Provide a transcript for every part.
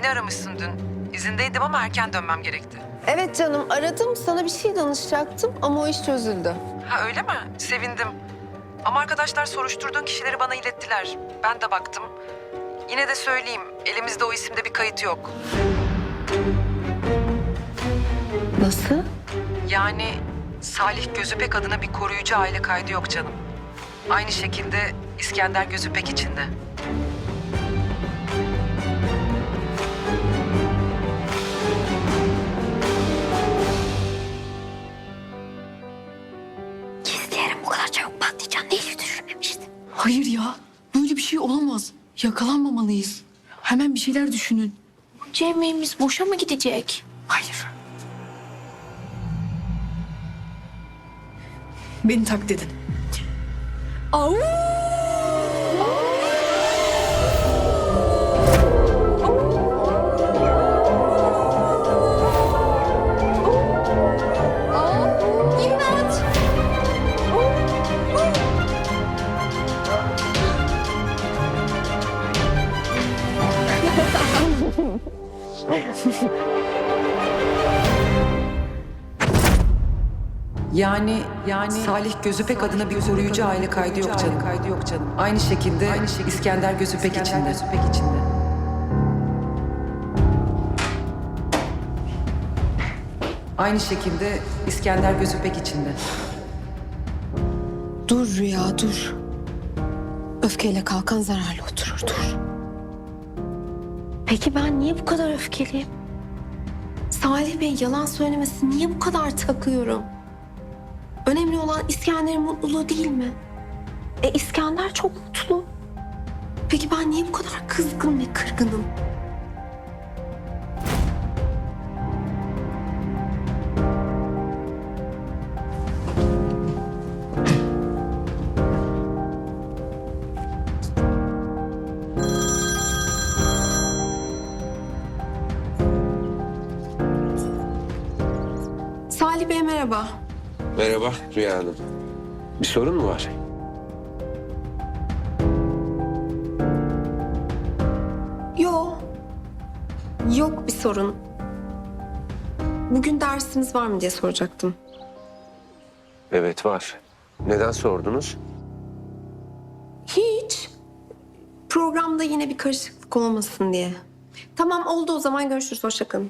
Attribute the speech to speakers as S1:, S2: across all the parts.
S1: beni aramışsın dün. İzindeydim ama erken dönmem gerekti.
S2: Evet canım, aradım. Sana bir şey danışacaktım ama o iş çözüldü.
S1: Ha öyle mi? Sevindim. Ama arkadaşlar soruşturduğun kişileri bana ilettiler. Ben de baktım. Yine de söyleyeyim, elimizde o isimde bir kayıt yok.
S2: Nasıl?
S1: Yani Salih Gözüpek adına bir koruyucu aile kaydı yok canım. Aynı şekilde İskender Gözüpek için de.
S3: Gizleyelim, bu kadar çabuk patlayacağını hiç düşünmemiştim.
S4: Hayır ya, böyle bir şey olamaz. Yakalanmamalıyız. Hemen bir şeyler düşünün.
S3: Bunca emeğimiz boşa mı gidecek?
S4: Hayır. Beni taklit edin.
S3: Au! İmdat!
S1: Yani Salih Gözüpek adına bir koruyucu aile kaydı yok canım. Aynı şekilde İskender Gözüpek için de. Aynı şekilde İskender Gözüpek için de.
S2: Dur Rüya, dur. Öfkeyle kalkan zararlı oturur, dur. Peki ben niye bu kadar öfkeliyim? Salih Bey yalan söylemesi niye bu kadar takıyorum? Önemli olan İskender'in mutluluğu değil mi? İskender çok mutlu. Peki ben niye bu kadar kızgın ve kırgınım? Salih Bey merhaba.
S5: Merhaba Rüya Hanım. Bir sorun mu var?
S2: Yok bir sorun. Bugün dersiniz var mı diye soracaktım.
S5: Evet var. Neden sordunuz?
S2: Hiç. Programda yine bir karışıklık olmasın diye. Tamam oldu o zaman görüşürüz. Hoşça kalın.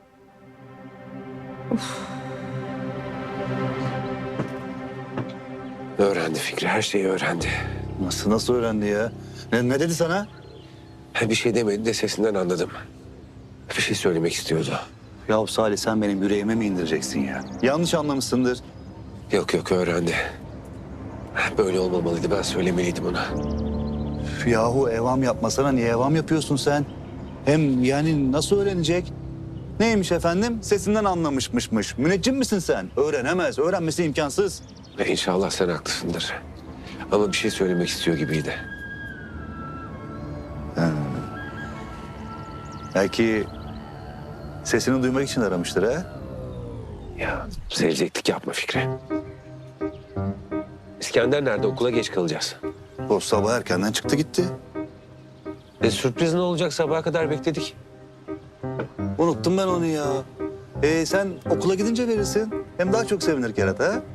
S5: Öğrendi Fikri, her şeyi öğrendi.
S6: Nasıl öğrendi ya? Ne dedi sana?
S5: Bir şey demedi de sesinden anladım. Bir şey söylemek istiyordu.
S6: Ya Salih sen benim yüreğime mi indireceksin ya? Yanlış anlamışsındır.
S5: Yok öğrendi. Böyle olmamalıydı, ben söylemeliydim ona.
S6: Yahu evam yapmasana, niye evam yapıyorsun sen? Hem yani nasıl öğrenecek? Neymiş efendim? Sesinden anlamışmışmış. Müneccim misin sen? Öğrenemez, öğrenmesi imkansız.
S5: İnşallah sen haklısındır. Ama bir şey söylemek istiyor gibiydi.
S6: Belki sesini duymak için aramıştır ha?
S5: Ya seveceklik yapma Fikri. İskender nerede? Okula geç kalacağız.
S6: O sabah erkenden çıktı gitti.
S5: Sürpriz ne olacak? Sabaha kadar bekledik.
S6: Unuttum ben onu ya. Sen okula gidince verirsin. Hem daha çok sevinir Kerata ha?